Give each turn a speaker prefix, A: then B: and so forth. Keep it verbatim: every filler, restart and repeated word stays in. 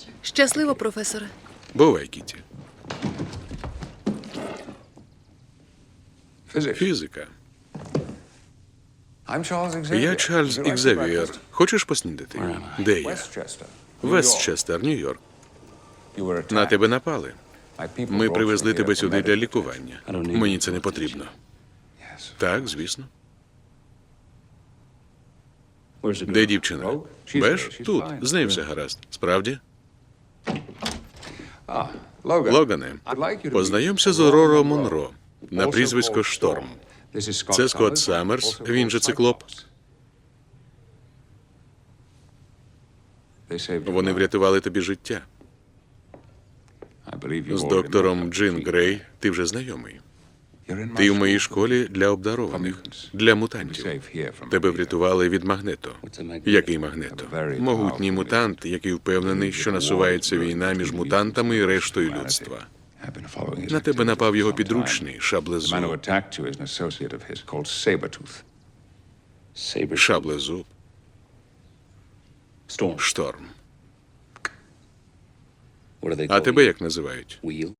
A: Щасливо, професоре.
B: Бувай, Кіті. Фізика. Я Чарльз Ікзавієр. Хочеш поснідати? Де я? Вестчестер, Нью-Йорк. На тебе напали. Ми привезли тебе сюди для лікування. Мені це не потрібно. Так, звісно. Де дівчина? Беш? Тут. З нею все гаразд. Справді? Логане, познайомся з Ороро Монро на прізвисько Шторм. Це Скотт Саммерс, він же Циклоп. Вони врятували тобі життя. З доктором Джин Грей ти вже знайомий. Ти в моїй школі для обдарованих, для мутантів. Тебе врятували від Магнето. Який Магнето? Могутній мутант, який впевнений, що насувається війна між мутантами і рештою людства. На тебе напав його підручний Шаблезуб. Шаблезуб. Шторм. А тебе як називають?